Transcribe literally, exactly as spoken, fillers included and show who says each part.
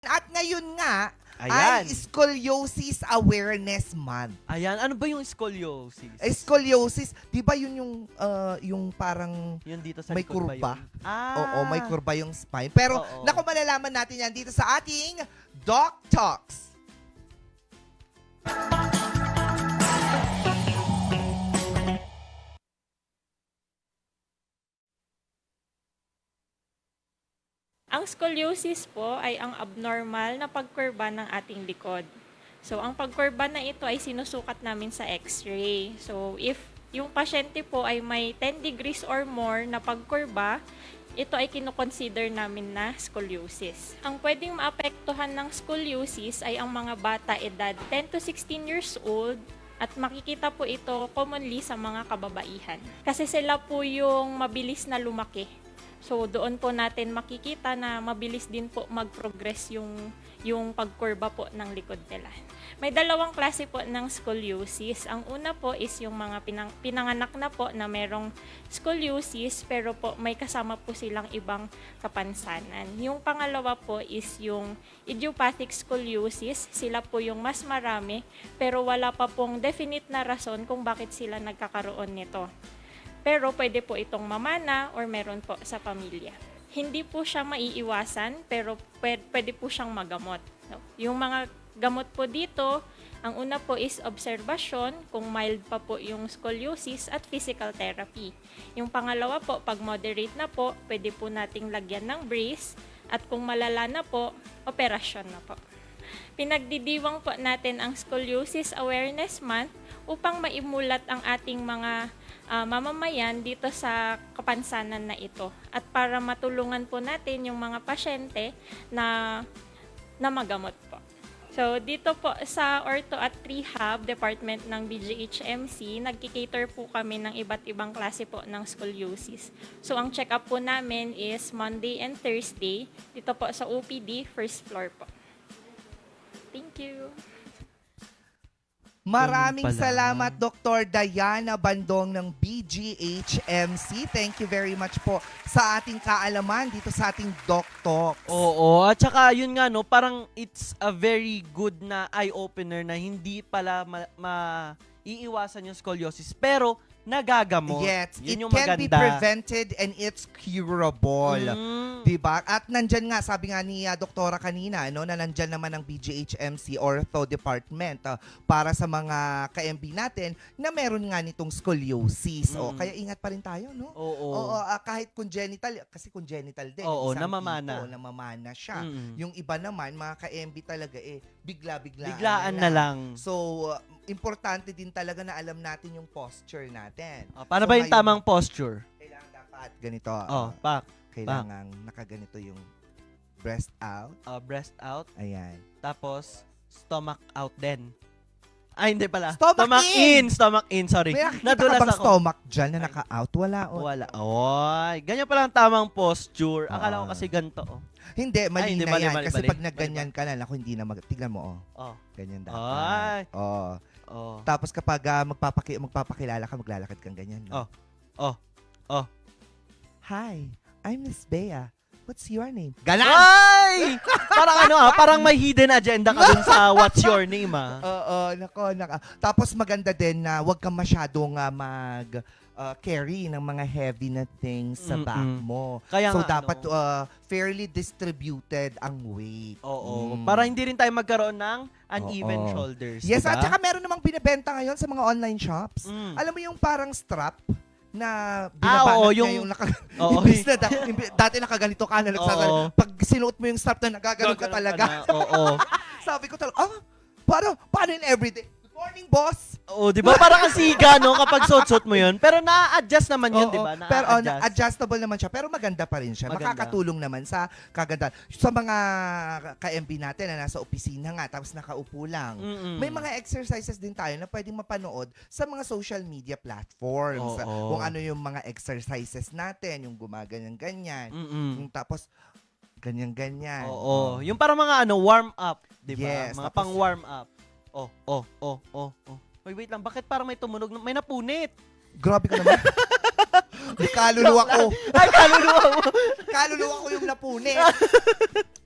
Speaker 1: At ngayon nga,
Speaker 2: Ayan.
Speaker 1: ay Scoliosis Awareness Month.
Speaker 2: Ayan, ano ba yung scoliosis?
Speaker 1: Eh, scoliosis, di ba yun yung, uh, yung parang
Speaker 2: Yun dito sa
Speaker 1: may
Speaker 2: likod ba
Speaker 1: kurba?
Speaker 2: yun? Ah.
Speaker 1: Oo, may kurba yung spine. Pero
Speaker 2: Oo.
Speaker 1: naku, malalaman natin yan dito sa ating Doc Talks.
Speaker 3: Ang scoliosis po ay ang abnormal na pagkurba ng ating likod. So, ang pagkurba na ito ay sinusukat namin sa x-ray. So, if yung pasyente po ay may ten degrees or more na pagkurba, ito ay kinoconsider namin na scoliosis. Ang pwedeng maapektuhan ng scoliosis ay ang mga bata edad ten to sixteen years old, at makikita po ito commonly sa mga kababaihan. Kasi sila po yung mabilis na lumaki. So doon po natin makikita na mabilis din po mag-progress yung, yung pagkurba po ng likod nila. May dalawang klase po ng scoliosis. Ang una po is yung mga pinang, pinanganak na po na merong scoliosis pero po may kasama po silang ibang kapansanan. Yung pangalawa po is yung idiopathic scoliosis. Sila po yung mas marami pero wala pa pong definite na rason kung bakit sila nagkakaroon nito. Pero pwede po itong mamana or meron po sa pamilya. Hindi po siya maiiwasan pero pwede po siyang magamot. Yung mga gamot po dito, ang una po is obserbasyon, kung mild pa po yung scoliosis, at physical therapy. Yung pangalawa po, pag moderate na po, pwede po nating lagyan ng brace, at kung malala na po, operasyon na po. Pinagdidiwang po natin ang Scoliosis Awareness Month upang maimulat ang ating mga uh, mamamayan dito sa kapansanan na ito, at para matulungan po natin yung mga pasyente na, na magamot po. So, dito po sa Ortho at Rehab Department ng B G H M C, nagkikater po kami ng iba't ibang klase po ng scoliosis. So, ang check-up po namin is Monday and Thursday, dito po sa O P D, first floor po. Thank you.
Speaker 1: Maraming
Speaker 2: Ganun pala.
Speaker 1: salamat, Doctor Diana Bandong ng B G H M C. Thank you very much po sa ating kaalaman dito sa ating Doc Talks.
Speaker 2: Oo, at saka yun nga no, parang it's a very good na eye-opener na hindi pala ma, ma- iiwasan yung scoliosis pero nagagamot.
Speaker 1: Yes,
Speaker 2: Yun
Speaker 1: it
Speaker 2: yung
Speaker 1: can be
Speaker 2: maganda.
Speaker 1: prevented and it's curable.
Speaker 2: Mm.
Speaker 1: Diba? At nandyan nga, sabi nga ni uh, Doktora kanina, no, na nandyan naman ang B G H M C Ortho Department uh, para sa mga ka-M B natin na meron nga nitong scoliosis. O,
Speaker 2: Mm.
Speaker 1: kaya ingat pa rin tayo, no?
Speaker 2: Oo.
Speaker 1: Oo, ah, kahit congenital, kasi congenital din.
Speaker 2: Oo,
Speaker 1: isang
Speaker 2: namamana.
Speaker 1: tipo, namamana siya.
Speaker 2: Mm.
Speaker 1: Yung iba naman, mga ka-M B talaga eh, bigla-biglaan
Speaker 2: Biglaan na lang.
Speaker 1: So, uh, importante din talaga na alam natin yung posture natin.
Speaker 2: Oh, paano
Speaker 1: So,
Speaker 2: ba yung
Speaker 1: ngayon,
Speaker 2: tamang posture?
Speaker 1: Kailangan dapat ganito.
Speaker 2: Oh,
Speaker 1: uh,
Speaker 2: back.
Speaker 1: kailangan nakaganito yung breast out.
Speaker 2: Uh, breast out.
Speaker 1: Ayan.
Speaker 2: Tapos, stomach out din. Ay, hindi pala.
Speaker 1: Stomach in!
Speaker 2: Stomach in, sorry.
Speaker 1: May nakikita
Speaker 2: Nadulas
Speaker 1: ka bang
Speaker 2: ako.
Speaker 1: stomach dyan na naka-out? Wala. Oh.
Speaker 2: Wala. Oy, ganyan pala ang tamang posture. Akala ko
Speaker 1: Oo.
Speaker 2: kasi ganito, oh.
Speaker 1: Hindi, mali
Speaker 2: Ay, hindi,
Speaker 1: na
Speaker 2: mali,
Speaker 1: yan.
Speaker 2: mali,
Speaker 1: Kasi
Speaker 2: mali.
Speaker 1: pag nagganyan ka na, naku, hindi na mag... Tignan mo, oh.
Speaker 2: Oh.
Speaker 1: Ganyan
Speaker 2: Ay.
Speaker 1: dapat. Oh.
Speaker 2: Oh.
Speaker 1: Tapos kapag ah, magpapaki magpapakilala ka, maglalakad kang ganyan. No?
Speaker 2: Oh. Oh. Oh.
Speaker 1: Hi, I'm Miss Bea. What's your name? Ganon!
Speaker 2: Ay! Parang ano ah, parang may hidden agenda ka dun sa what's your name ah.
Speaker 1: Oo, nako, naka. Tapos maganda din na huwag kang masyadong ah, mag ah, carry ng mga heavy na things sa back
Speaker 2: Mm-mm.
Speaker 1: mo.
Speaker 2: Kaya
Speaker 1: So
Speaker 2: nga,
Speaker 1: dapat
Speaker 2: ano,
Speaker 1: ah, fairly distributed ang weight.
Speaker 2: oo.
Speaker 1: Mm.
Speaker 2: Para hindi rin tayo magkaroon ng uneven
Speaker 1: Oo.
Speaker 2: shoulders.
Speaker 1: Yes,
Speaker 2: diba?
Speaker 1: at saka meron namang binibenta ngayon sa mga online shops.
Speaker 2: Mm.
Speaker 1: Alam mo yung parang strap na
Speaker 2: Ah,
Speaker 1: binabanat
Speaker 2: oo,
Speaker 1: niya
Speaker 2: yung-
Speaker 1: yung naka,
Speaker 2: Oo.
Speaker 1: imbis na da- imbi- dati nakaganito ka na nagsasal.
Speaker 2: Oo.
Speaker 1: Pag sinuot mo yung strap na nagaganon ka
Speaker 2: Gaganon
Speaker 1: talaga.
Speaker 2: na, Oo.
Speaker 1: Sabi ko talaga, ah, paano, paano in everyday? Good morning, boss!
Speaker 2: Oo, di ba? Parang kasiga, no? Kapag suot-suot mo yun. Pero na-adjust naman yun,
Speaker 1: Oo,
Speaker 2: di ba?
Speaker 1: pero oh,
Speaker 2: Na-adjust.
Speaker 1: adjustable naman siya, pero maganda pa rin siya.
Speaker 2: Maganda.
Speaker 1: Makakatulong naman sa kaganda. Sa mga ka-M B natin na nasa opisina nga, tapos nakaupo lang.
Speaker 2: Mm-mm.
Speaker 1: May mga exercises din tayo na pwedeng mapanood sa mga social media platforms.
Speaker 2: Oo.
Speaker 1: Kung ano yung mga exercises natin, yung gumaganyan-ganyan.
Speaker 2: Mm-mm.
Speaker 1: Yung tapos, ganyan-ganyan.
Speaker 2: Oo. Yung parang mga ano, warm up, di ba?
Speaker 1: Yes,
Speaker 2: Mga
Speaker 1: tapos-
Speaker 2: pang warm up. Oh, oh, oh, oh, oh. Wait, wait lang. Bakit parang may tumunog? May napunit.
Speaker 1: Grabe ka naman. May kaluluwa ko.
Speaker 2: Ay, kaluluwa mo.
Speaker 1: Kaluluwa ko yung napunit.